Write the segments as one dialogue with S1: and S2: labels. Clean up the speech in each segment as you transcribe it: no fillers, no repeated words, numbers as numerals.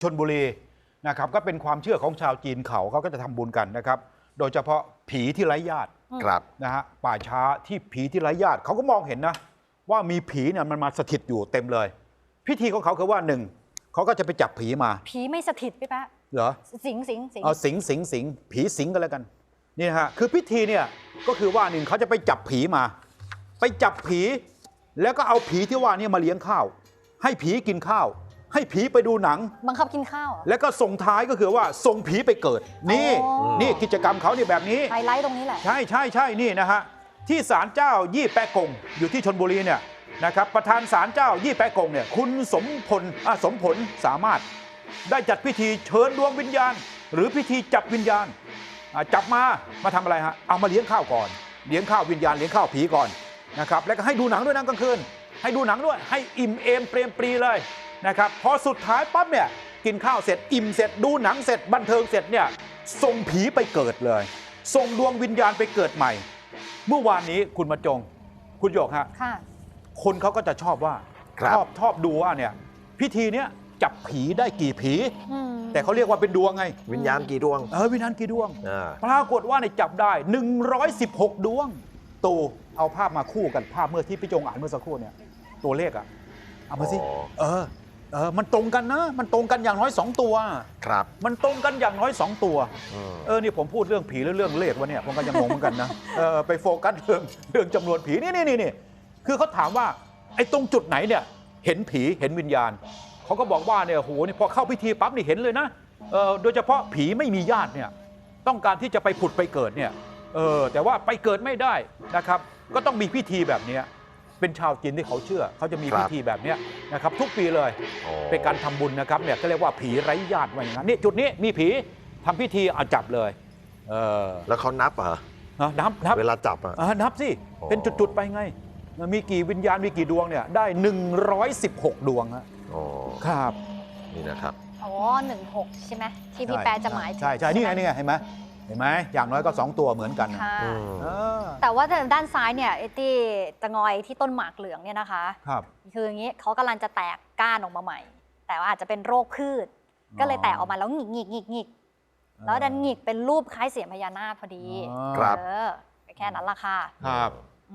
S1: ชลบุรีนะครับก็เป็นความเชื่อของชาวจีนเขาก็จะทำบุญกันนะครับโดยเฉพาะผีที่ไร้ญาติ
S2: ครับ
S1: นะฮะป่าช้าที่ผีที่ไร้ญาติเขาก็มองเห็นนะว่ามีผีเนี่ยมันมาสถิตอยู่เต็มเลยพิธีของเขาคือว่าหนึ่งเขาก็จะไปจับผีมา
S3: ผีไม่สถิตพี่แป๊ะ
S1: เหรอ
S3: สิง
S1: เอาสิงผีสิงกันแล้วกันนี่นะฮะคือพิธีเนี่ยก็คือว่าหนึ่งเขาจะไปจับผีมาไปจับผีแล้วก็เอาผีที่ว่านี่มาเลี้ยงข้าวให้ผีกินข้าวให้ผีไปดูหนัง
S3: บังคับกินข้าว
S1: แล้วก็ส่งท้ายก็คือว่าส่งผีไปเกิดนี่กิจกรรมเขาเนี่ยแบบนี้
S3: ไฮไลท์ตรงนี้แหละ
S1: ใช่นี่นะฮะที่ศาลเจ้ายี่แปะกงอยู่ที่ชลบุรีเนี่ยนะครับประธานศาลเจ้ายี่แปะกงเนี่ยคุณสมผลสามารถได้จัดพิธีเชิญดวงวิญญาณหรือพิธีจับวิญญาณจับมาทำอะไรฮะเอามาเลี้ยงข้าวก่อนเลี้ยงข้าววิญญาณเลี้ยงข้าวผีก่อนนะครับแล้วก็ให้ดูหนังด้วยนะกลางคืนให้ดูหนังด้วยให้อิ่มเอมเปรมปรีเลยนะครับพอสุดท้ายปั๊บเนี่ยกินข้าวเสร็จอิ่มเสร็จดูหนังเสร็จบันเทิงเสร็จเนี่ยส่งผีไปเกิดเลยส่งดวงวิญญาณไปเกิดใหม่เมื่อวานนี้คุณมาจงคุณหยกฮะคนเขาก็จะชอบว่าชอบดูว่าเนี่ยพิธีเนี้ยจับผีได้กี่ผีแต่เขาเรียกว่าเป็นดวงไง
S2: วิญญาณกี่ดวง
S1: วิญญาณกี่ดวงปรากฏว่าในจับได้116ดวงตูเอาภาพมาคู่กันภาพเมื่อที่พี่จงอ่านเมื่อสักครู่เนี่ยตัวเลขอะเอามาสิมันตรงกันนะมันตรงกันอย่างน้อย2ตัว
S2: ครับ
S1: มันตรงกันอย่างน้อย2ตัวนี่ผมพูดเรื่องผีหรือเรื่องเลขวะเนี่ยผมก็ยังงงเหมือนกันนะไปโฟกัสเรื่องจำนวนผีนี่คือเขาถามว่าไอ้ตรงจุดไหนเนี่ยเห็นผีเห็นวิญญาณเขาก็บอกว่าเนี่ยโหนี่พอเข้าพิธีปั๊บนี่เห็นเลยนะโดยเฉพาะผีไม่มีญาติเนี่ยต้องการที่จะไปผุดไปเกิดเนี่ยแต่ว่าไปเกิดไม่ได้นะครับก็ต้องมีพิธีแบบนี้เป็นชาวจีนที่เขาเชื่อเขาจะมีพิธีแบบนี้นะครับทุกปีเลยเป็นการทำบุญนะครับเนี่ยก็เรียกว่าผีไร้ญาติว่าอย่างนั้นนี่จุดนี้มีผีทำพิธีเอาจับเลย
S2: แล้วเขานับเหรอ
S1: นับ
S2: เวลาจับ
S1: นับสิเป็นจุดๆไปไงมีกี่วิญญาณมีกี่ดวงเนี่ยได้116ดวงครับ
S2: นี่นะครับ
S3: 16ใช่ไหมที่พี่แปรจะหมายถึง
S1: ใช่นี่ไงเห็นไหมอย่างน้อยก็2ตัวเหมือนกัน
S3: แต่ว่าด้านซ้ายเนี่ยไอ้ที่ตะงอยที่ต้นหมากเหลืองเนี่ยนะคะคืออย่างนี้เขากำลังจะแตกก้านออกมาใหม่แต่ว่าอาจจะเป็นโรคพืชก็เลยแตกออกมาแล้วหงิกแล้วดันหงิกเป็นรูปคล้ายเสียญพญานาคพอดีแค่นั้นละค่ะ
S1: ครับ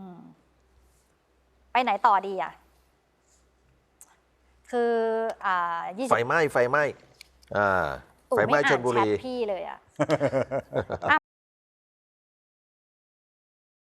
S3: ไปไหนต่อดีอ่ะคือ
S2: ไฟไหม้ไฟไหม้ชลบุรี
S3: พี่เลยอ่ะ